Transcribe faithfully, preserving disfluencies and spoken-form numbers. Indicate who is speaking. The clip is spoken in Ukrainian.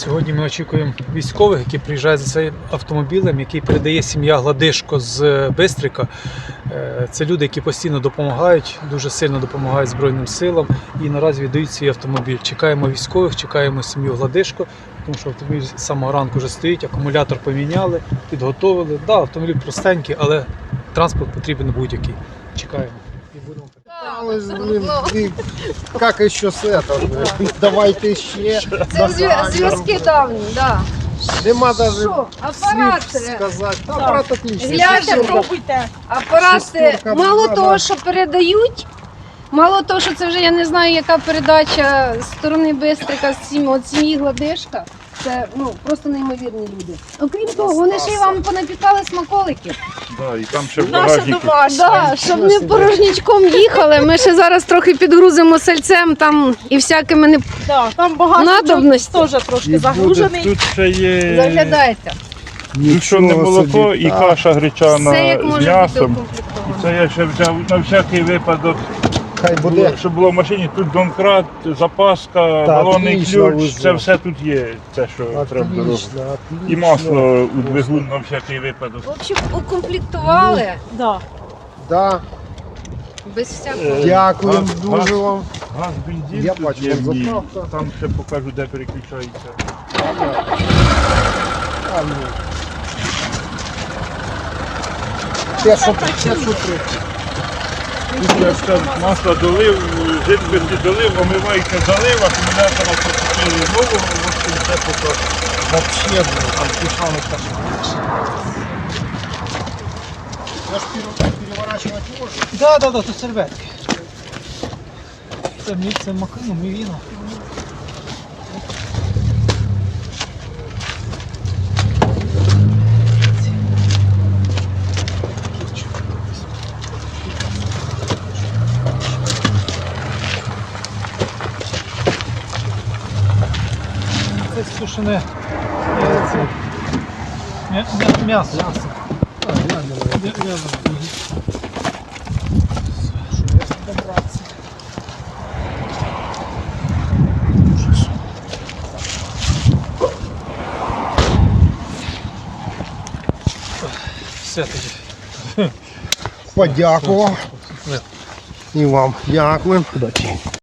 Speaker 1: Сьогодні ми очікуємо військових, які приїжджають за цим автомобілем, який передає сім'я Гладишко з Бистрика. Це люди, які постійно допомагають, дуже сильно допомагають Збройним силам і наразі віддають свій автомобіль. Чекаємо військових, чекаємо сім'ю Гладишко, тому що автомобіль з самого ранку вже стоїть, акумулятор поміняли, підготовили. Так, да, автомобіль простенький, але транспорт потрібен будь-який. Чекаємо. І будемо.
Speaker 2: Как еще с этого? Давайте ще.
Speaker 3: Це зв'я- зв'язки давні, так.
Speaker 2: Нема даже
Speaker 3: Що? Апарат.
Speaker 2: сказати. Апарат отличний.
Speaker 3: Гляньте,
Speaker 2: Шестерка.
Speaker 3: Апарати
Speaker 2: Шестерка,
Speaker 3: мало
Speaker 2: да,
Speaker 3: того,
Speaker 2: да.
Speaker 3: що передають, мало того, що це вже я не знаю, яка передача з сторони Бистрика з сім- от сім'ї Гладишка. Це ну просто неймовірні люди. Окрім того, вони ще й вам понапікали смаколиків.
Speaker 4: Да, і там ще в
Speaker 5: Наше
Speaker 4: багажнику.
Speaker 5: домашнє.
Speaker 3: Да, щоб не порожнічком їхали. Ми ще зараз трохи підгрузимо сальцем там і всякими не
Speaker 5: Да, там багато
Speaker 3: Надобності.
Speaker 5: теж трошки
Speaker 4: І буде,
Speaker 5: загружений.
Speaker 4: тут ще є
Speaker 3: заглядайте.
Speaker 4: тушене
Speaker 2: Нічого
Speaker 4: молоко
Speaker 2: собі,
Speaker 4: і
Speaker 2: так.
Speaker 4: каша гречана
Speaker 3: Все як
Speaker 4: з
Speaker 3: може бути
Speaker 4: м'ясом.
Speaker 3: укомплектовано.
Speaker 4: Це я ще взяв на всякий випадок,
Speaker 2: Хай буде.
Speaker 4: щоб було в машині. Тут донкрат, запаска, балонний
Speaker 2: отлично
Speaker 4: ключ,
Speaker 2: везло.
Speaker 4: це все тут є, це що треба дорогу.
Speaker 2: Отлично, отлично.
Speaker 4: І масло у двигун на всякий випадок.
Speaker 3: В общем, укомплектували
Speaker 5: Да.
Speaker 2: Да,
Speaker 3: без всякого.
Speaker 4: Е,
Speaker 2: дякуємо
Speaker 4: газ-
Speaker 2: дуже
Speaker 4: газ-
Speaker 2: вам.
Speaker 4: Газ, бензин
Speaker 2: Я
Speaker 4: тут
Speaker 2: бачу,
Speaker 4: є в ній.
Speaker 2: заправка.
Speaker 4: Там ще покажу, де переключається.
Speaker 2: А, ну. п'ятсот три.
Speaker 4: Тут я все масло долив, жидкості долив, омивайка залив, акумулятора покупили нового, в общем, все поки.
Speaker 2: Вообще, блин, там тушаны кошмар. Я ж пере- переворачивать можно.
Speaker 1: Так, так, так, це серветки. Це, мі- це макану, мівіна. Це сушене е, це, м'я- м'я- м'ясо. М'я- м'ясо. Мгм. Все тоді.
Speaker 2: Подякував.
Speaker 1: Не.
Speaker 2: І вам дякуємо. Удачі.